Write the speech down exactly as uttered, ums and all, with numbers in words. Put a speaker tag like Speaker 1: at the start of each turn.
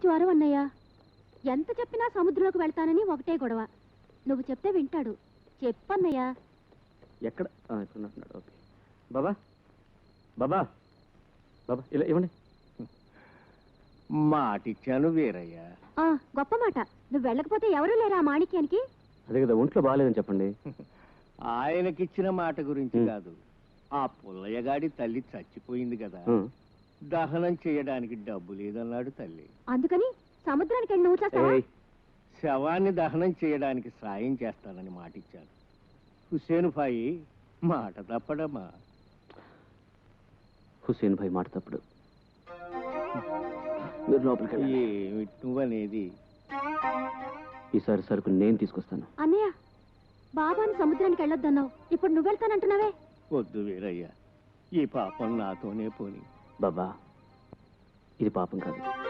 Speaker 1: జ్వరం అన్నయ్య. ఎంత చెప్పినా సముద్రంలోకి వెళ్తానని ఒకటే గొడవ. నువ్వు చెప్తే వింటాడు. చెప్పన్నయ్యా.
Speaker 2: ఎక్కడ ఓకే బాబా బాబా బాబా ఇలా ఇవ్వండి.
Speaker 3: మాటిచ్చాను వీరయ్య.
Speaker 1: గొప్ప మాట. నువ్వు వెళ్ళకపోతే ఎవరూ లేరా మాణిక్యానికి?
Speaker 2: అదే కదా, ఒంట్లో బాగాలేదని చెప్పండి.
Speaker 3: ఆయనకిచ్చిన మాట గురించి కాదు, ఆ పుల్లయ్యగాడి తల్లి చచ్చిపోయింది కదా, దహనం చేయడానికి డబ్బు లేదన్నాడు తల్లి.
Speaker 1: అందుకని సముద్రానికి వెళ్ళి నువ్వు చేస్తావా?
Speaker 3: శవాన్ని దహనం చేయడానికి సాయం చేస్తానని మాటిచ్చాను. హుసేన్ భాయి మాట తప్పడమ్మా.
Speaker 2: హుసేన్ భాయ్ మాట తప్పుడు. మీరు లోపలికి
Speaker 3: ఏమిటి నువ్వనేది?
Speaker 2: ఈసారి సరుకు నేను తీసుకొస్తాను.
Speaker 1: అన్నయ్య, బాబాని సముద్రానికి వెళ్ళొద్దన్నావు, ఇప్పుడు నువ్వు వెళ్తానంటున్నావే?
Speaker 3: వద్దు వీరయ్య, ఈ పాపం నాతోనే పోని.
Speaker 2: బాబా, ఇది పాపం కాదు.